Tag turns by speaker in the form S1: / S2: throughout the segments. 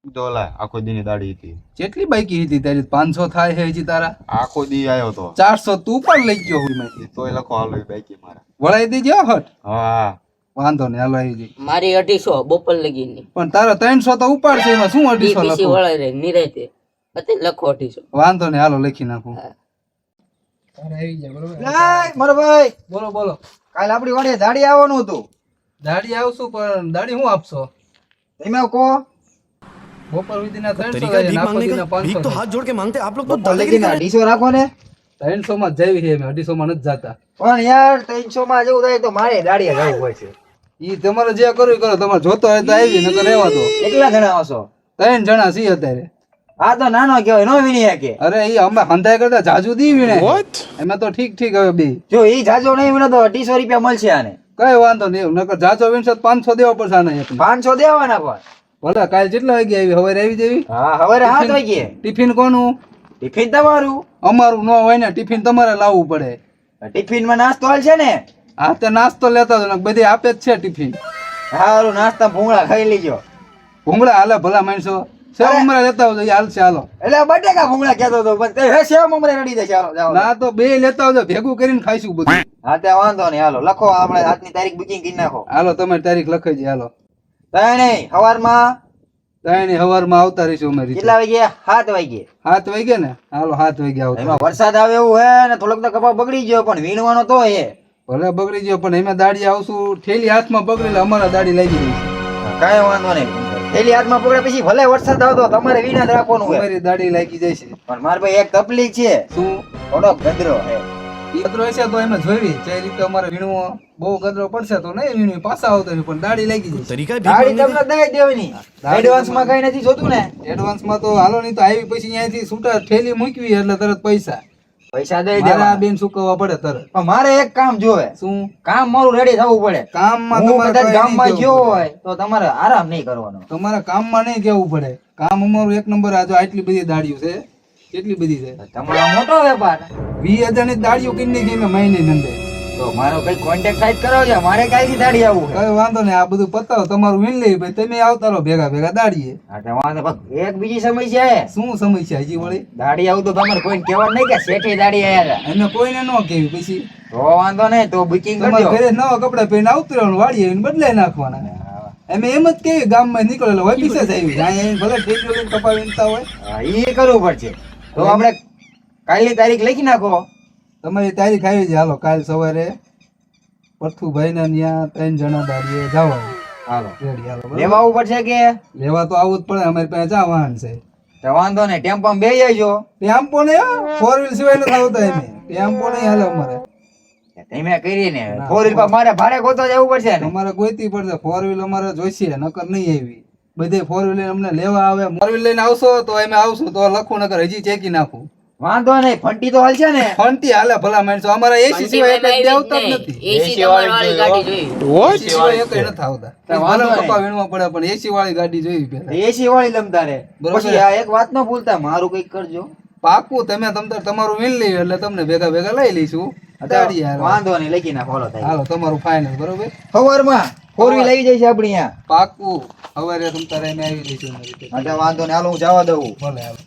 S1: ડોલા આખો દી ની દાડી હતી.
S2: કેટલી બાઈકી હતી તારી? 500 થાય છે હજી તારા?
S1: આખો દી આવ્યો તો
S2: 400 તું પણ લઈ ગયો હોય માંથી.
S1: તોય લખો હાલો એ બાઈકી મારા.
S2: વળાઈ દેજો હટ.
S1: હા
S2: વાંધો નહીં, હાલો આવી જઈ.
S3: મારી 250 બપોર લગીની
S2: પણ તારા 300 તો ઉપાડશે, એમાં શું 250
S3: બીસી
S2: લખો?
S3: વળાઈ રે નિરાતે અત્યારે લખો 250.
S2: વાંધો નહીં, હાલો લખી નાખું.
S3: હા.
S2: આવી જાય બરોબર.
S4: લાય મારો ભાઈ,
S2: બોલો બોલો.
S4: કાલ આપણી વાડીએ દાડી આવવાનું હતું.
S2: દાડી આવશું, પણ દાડી શું આપશો?
S4: તમે કહો.
S2: બપોર સુધીના 300
S5: तरीका
S2: થાય,
S5: भीख
S2: નાખો
S5: मांगने
S2: દીના
S5: का, भीख
S2: 500
S5: तो
S2: થાય.
S5: हाथ जोड़ के मांगते आप लोग तो
S4: બપોર
S5: दादागिरी
S4: લગીને
S5: कर
S4: 250 રાખો ને.
S2: 300 માં જ જાવી છે, અમે 250 માં નથી જાતા.
S4: પણ યાર 300 માં જેવું થાય તો મારે દાડીએ જવું પડશે.
S2: ઈ તમારે જે કરવું એ કરો, તમારે જોતો હોય તો આવી, નકર રહેવા દો.
S4: કેટલા જણા આવશો?
S2: 3 જણા છીએ અત્યારે.
S4: આ તો નાનો કહેવાય, નો વિની કે.
S2: અરે ઈ અમે હંધાય કરતા જાજુ દી વીણે. એમાં તો ઠીક ઠીક હવે બે.
S4: જો ઈ જાજો નહીં વિનો તો 250 રૂપિયા મળશે આને.
S2: કઈ વાંધો નહીં, નકર જાજો વીણશે તો 500 દેવા પડશે આને એકને.
S4: 500 દેવાના પણ.
S2: ભલે કાલ કેટલા વાગે આવી? હવે આવી જેવી.
S4: હા હવે 7 વાગે.
S2: ટિફિન કોનું?
S4: ટિફિન તમારું.
S2: અમારું ન હોય ને, ટિફિન તમારે લાવવું પડે.
S4: ટિફિન માં નાસ્તો હાલ છે ને?
S2: આ તે નાસ્તો લેતા જ બધી આપે જ છે ટિફિન.
S4: હારું નાસ્તા ભૂંગળા ખાઈ લેજો.
S2: ભૂંગળા હાલે ભલા માણસો. સેવ ઉમરા લેતા આવજો, ઈ હાલશે. હાલો.
S4: એટલે બટેકા ભૂંગળા કહેતો હતો, પણ તે હે સેવ મમરે રડી દેશે. હાલો જાઓ.
S2: ના તો બે લેતા આવજો, ભેગું કરીને ખાઈશું બધું.
S4: હા તે વાંધો નહીં, હાલો લખો, આપણે આજની તારીખ બુકિંગ કરી નાખો.
S2: હાલો તમારી તારીખ લખાઈ જાય. હાલો
S4: તય નહીં સવારમાં
S2: તાઈની હવારમાં આવતા રહીશું અમારી.
S4: કેટલા વાગે? 7 વાગે.
S2: 7 વાગે ને? હાલો 7 વાગે આવતા.
S4: એમાં વરસાદ આવે એવું હે ને, થોડોક તો કપા બગડી ગયો, પણ વીણવાનો તો હે.
S2: ભલે બગડી ગયો, પણ એમાં દાડી આવશું. ઠેલી હાથમાં પકડી એટલે અમારા દાડી લાગી રહી છે.
S4: કાંઈ વાંધો નહીં. થેલી હાથમાં પકડે પછી ભલે વરસાદ આવતો તમારે વીણા જ રાખવાનું હોય.
S2: અમારી દાડી લાગી જાય છે.
S4: પણ મારા ભાઈ એક તકલીફ છે,
S2: શું?
S4: થોડોક ગદરો હે.
S2: ઈ ગદરો હશે તો એમાં જોઈ જે રીતે અમારે વીણવો. બહુ ગદરો પડશે તો નહીં વીણવી, પાછા આવતો નહીં, પણ દાડી લાગી જાય.
S5: तरीका भीख
S4: ગાડી
S5: मांगने
S4: તમને દઈ દેવાની. એડવાન્સ માં કઈ નથી જોતું ને?
S2: એડવાન્સમાં તો હાલો નહીં તો આવી પછી અહીંયાથી છૂટા ઠેલી મૂકવી એટલે તરત પૈસા.
S4: પૈસા દઈ
S2: મારે આ
S4: દેવા.
S2: બેન ચૂકવવા પડે તરત.
S4: પણ મારે એક કામ જોવે.
S2: શું
S4: કામ મારું રેડી થવું પડે.
S2: કામમાં
S4: હું
S2: તમારે
S4: કદાચ
S2: કઈ
S4: ગામમાં
S2: નહીં
S4: ગયો
S2: કેવું
S4: હોય તો તમારે આરામ નહીં કરવાનો.
S2: પડે. તમારે કામમાં નહીં કેવું પડે. કામ અમારું એક નંબર. આ જો આટલી બધી દાડીઓ છે, કેટલી બધી છે.
S4: તમારો મોટો વેપાર.
S2: 20,000 ની દાડીઓ કિન્ની ગઈ મેં મહિને નંદે.
S4: તો મારો કઈ કોન્ટેક્ટ સાઈડ કરાવજો, મારે કાંઈ દાડી આવું છે.
S2: કઈ વાંધો નહીં, આ બધું પતાવો, તમારું વીણ લઈ ભાઈ, તમે આવતા રહો ભેગા ભેગા દાડીએ.
S4: હા તો વાંધો પણ એક બીજી સમસ્યા હે.
S2: શું સમસ્યા હજી વળી?
S4: દાડી આવું તો તમારે કોઈને કહેવાનું નહીં કે શેઠે દાડી આયા હતા.
S2: એને કોઈને ન કેવી પછી
S4: તો વાંધો નહીં, તો બુકિંગ
S2: તમારે
S4: કરજો.
S2: ઘરે નવા કપડા પહેરીને આવતું રહેવાનું, વાડીએ આવીને બદલાઈ નાખવાના. અમે એમ જ કેવી ગામમાં નીકળેલો હોય પીસે જ આવી જાય, અહીંયા ભલે ઠેકડો લઈને કપા વીણતા હોય.
S4: હા, ઈ કરવું પડશે. તો આપણે કાલની તારીખ લખી નાખો.
S2: તમારી તારીખ આવી જાય. હાલો કાલ સવારે પરથુભાઈ ના ત્યાં 3 જણા દાડીએ જવાનું.
S4: હાલો
S2: રેડી હાલો બરાબર?
S4: લેવા આવવું પડશે કે?
S2: લેવા તો આવવું જ પડે, અમારી પાસે જા વાહન છે.
S4: તો વાંધો નહીં, ટેમ્પોમાં બેસી જજો.
S2: ટેમ્પો ને 4 વ્હીલ સિવાય નથી આવતા એમે. ટેમ્પો નહીં હાલે અમારે.
S4: તમે કરીને 4 વ્હીલ પર મારે ભાડે ગોતવા જવું પડશે ને?
S2: અમારે ગોઈતી પડશે. 4 વ્હીલ અમારે જોઈશે, નકર નહીં આવી. બધે 4 વ્હીલ અમને લેવા આવે. 4 વ્હીલ લઈને આવશો તો અમે આવશું તો લખું, નકર હજી ચેકી નાખું.
S4: વાંધો નહીં, ફંટી તો હાલશે ને?
S2: ફંટી હાલે ભલા માણસો. અમારા એસી સિવાય એટલે દેવતા જ નથી.
S3: એસી તમારી વાળી ગાડી જોઈ.
S2: એસી સિવાય એકય નથી આવતા.
S4: વાંધો
S2: ભલે
S4: નહીં.
S2: કપા વીણવા પડે, પણ એસી વાળી ગાડી જોઈ પહેલા.
S4: એસી વાળી લમતા રે.
S2: બરોબર.
S4: પછી આ એક વાત ન ભૂલતા, મારું કઈક કરજો.
S2: પાકું તમે તમારું વીણ લઈ એટલે તમને ભેગા ભેગા લઈ લઈશું. દાડી હાલો.
S4: વાંધો નહીં, લખી નાખો. હાલો થાય.
S2: હાલો તમારું ફાઇનલ બરોબર.
S4: સવારમાં 4 વ્હીલ આવી જાય છે આપણી અહીંયા.
S2: પાકું સવારે તમ તારે અમે આવી જઈશું એના રીતે.
S4: માટે વાંધો નહીં, હાલો હું જવા દઉં.
S2: ભલે હાલો.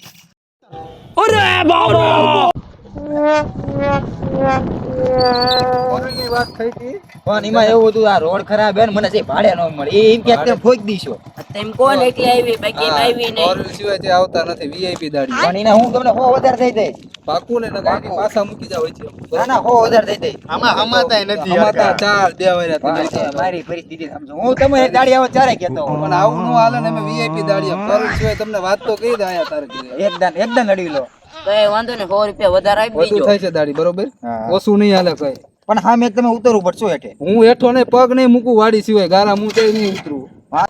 S2: કોની વાત થઈ હતી?
S4: પણ એમાં એવું હતું, આ રોડ ખરાબ હે ને, મને છે ભાડે ન મળે. એ એમ કે તમે ફોક દીશો.
S3: તેમ કોણ એકલી આવી બાકી એમ આવી
S2: હા,
S3: નહીં.
S2: 4 વ્હીલ સિવાય તે આવતા નથી. VIP દાડી.
S4: પણ એને હું તમને હો વધારે થઈ જાય.
S2: પાકું ને નકર એની પાછા મૂકી જાવ છે.
S4: ના ના, હો વધારે થઈ જાય.
S2: અમાતા 4 દેવાય
S4: હા, મારી પરિસ્થિતિ સમજો. હું તમે ગાડી આવો ચારે કહેતો હોઉં.
S2: પણ આવું નો હાલે ને. અમે VIP દાડી 4 વ્હીલ સિવાય તમને વાત તો કહી દે આયા તારે ઘરે.
S4: એકદમ નડી લો.
S3: તો એ વાંધો ને 100 રૂપિયા વધારે આપી
S2: વધુ
S3: દેજો.
S2: થાય છે દાડી બરોબર.
S4: હા.
S2: ઓછું નહીં હાલે કઈ.
S4: પણ હા, મેં તમે ઉતરવું પડશે હેઠે.
S2: હું હેઠો ને પગ નહીં મૂકું વાડી સિવાય. ગારા હું તે નહીં ઉતરું.
S4: હા.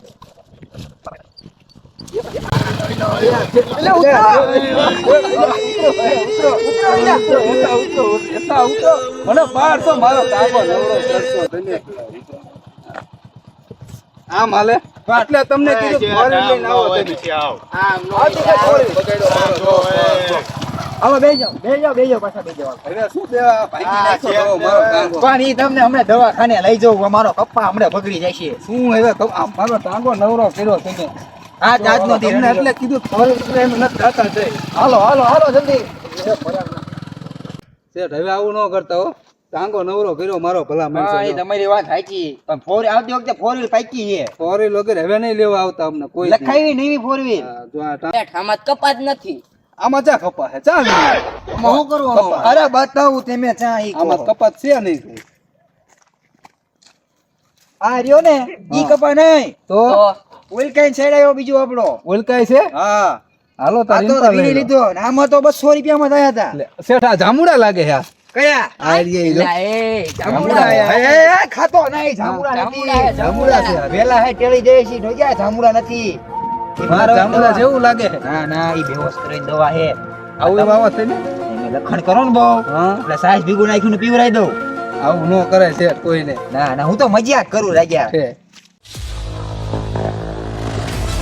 S2: મને 1200 મારો કાકો નવરો કરશો તને. આમ હાલે એટલે તમને કીધું 4 વ્હીલ લઈને આવો તમે.
S4: હવે બેસી જાઓ પાછા બેસી જાઓ.
S2: હવે શું દેવા ભાગી નાખ્યો મારો કાકો.
S4: પણ ઈ તમને હમણાં દવાખાને લઈ જાઉં. મારો કપ્પા હમણાં બગડી જાય છે.
S2: શું હવે મારો ટાંગો નવરો કર્યો તમે.
S4: આજનો દી
S2: તમને એટલે કીધું ફોર વ્હીલ એમ નથી જાતા છે.
S4: હાલો હાલો હાલો જલ્દી
S2: શેઠ હવે આવું ન કરતા હો. ટાંગો નવરો કર્યો મારો ભલા
S4: હા એ
S2: માણસો.
S4: તમારી વાત સાચી પણ ફોર આવતી વખતે ફોર વ્હીલ પાકી છે
S2: ફોર વ્હીલ વગર હવે નહીં લેવા આવતા અમને કોઈ દી.
S4: લખાવી નહીં ફોર વ્હીલ
S2: હા, જો આ
S3: શેઠ, આમાં તો કપાત નથી.
S2: આમાં ચા કપા છે ચા વીણી.
S4: આમાં શું કરવાનું અરે બતાવું તમે ચા ઈ
S2: આમાં
S4: કહો.
S2: કપાત છે નહીં.
S4: આ રહ્યો ને ઈ કપા નહીં
S2: તો
S3: તો
S4: ઓઇલ કાઈ સાઈડ આવ્યો બીજો આપણો
S2: ઓલકાય છે.
S4: હા
S2: હાલો
S4: આ
S2: તારી
S4: તો
S2: ઇન્સ્ટા
S4: વીણી
S2: લઈ લો.
S4: લીધો ને આમાં તો 200 રૂપિયામાં થયા હતા
S2: લે, શેઠ આ જામુડા લાગે છે આ.
S4: કયા
S2: આ રહ્યા ઈ જો.
S3: લા, એ
S4: જાંબુડા
S3: જાંબુડા.
S4: એ ખાતો નહીં જાંબુડા
S3: જાંબુડા,
S4: નથી
S2: જાંબુડા છે આ.
S4: વેલા હે ટેળી જાય છે ઢોગ્યા જાંબુડા નથી
S2: મારા જામુડા જેવું લાગે છે.
S4: ના ના ઈ બેહોશ કરીને દવા હે
S2: આવું વાવા છે ને.
S4: એને લખણ કરો ને બહુ
S2: હા
S4: એટલે સાસ ભીગું નાખ્યું ને પીવરાઈ દઉં
S2: આવું ન કરે શેઠ કોઈને.
S4: ના ના હું તો મજાક કરું રાગ્યા
S2: છે